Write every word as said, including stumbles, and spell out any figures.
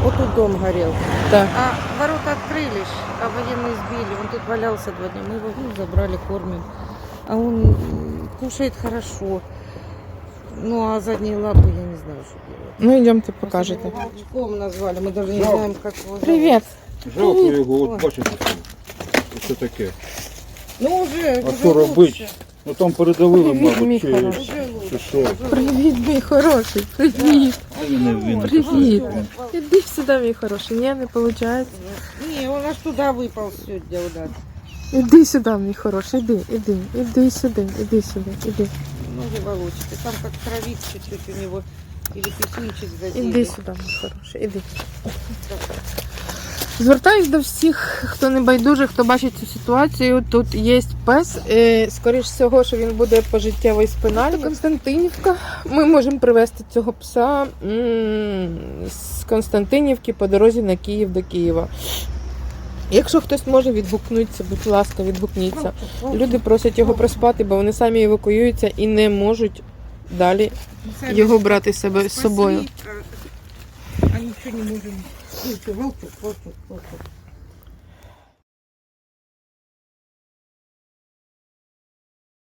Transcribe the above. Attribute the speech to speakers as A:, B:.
A: Вот тут дом горел.
B: Так.
A: А ворота открылись, а военные сбили. Он тут валялся два дня. Мы его ну, забрали, кормим. А он м, кушает хорошо. Ну, а задние лапы я не знаю, что делать.
B: Ну, йдемте,
A: Мы
B: покажете.
A: его волчком назвали. Мы даже не
C: Жалко.
A: знаем, как его зовут.
B: Привіт.
C: Жалко його, от бачите, що таке.
A: Ну, уже,
C: А
A: уже
C: що робити?
A: лучше.
C: Ну там передавили,
B: Привіт, мій
C: мабуть, чи,
B: хороший.
A: Уже лучше.
C: чи що.
A: уже
B: Привіт, мій хороший. Привіт.
C: А він не він.
B: Привіт. Іди сюди, мій хороший. Ні, не виходить.
A: Не, он аж туда выпал сегодня у нас.
B: Іди сюди, мій хороший. Іди, іди. Іди сюди, іди сюди, іди.
A: Ноги волочки. Там как кровик чуть-чуть у него. Или писюнчик задели.
B: Іди сюди, мій хороший. Іди. Звертаюсь до всіх, хто не байдужий, хто бачить цю ситуацію. Тут є пес. Е, Скоріш всього, що він буде пожиттєвий спиналі. Константинівка. Ми можемо привезти цього пса м, з Константинівки по дорозі на Київ до Києва. Якщо хтось може відгукнутися, будь ласка, відгукніться. Люди просять його проспати, бо вони самі евакуюються і не можуть далі його брати себе з собою.
A: А ничего не можем. Слушай, волчок, волчок, волчок.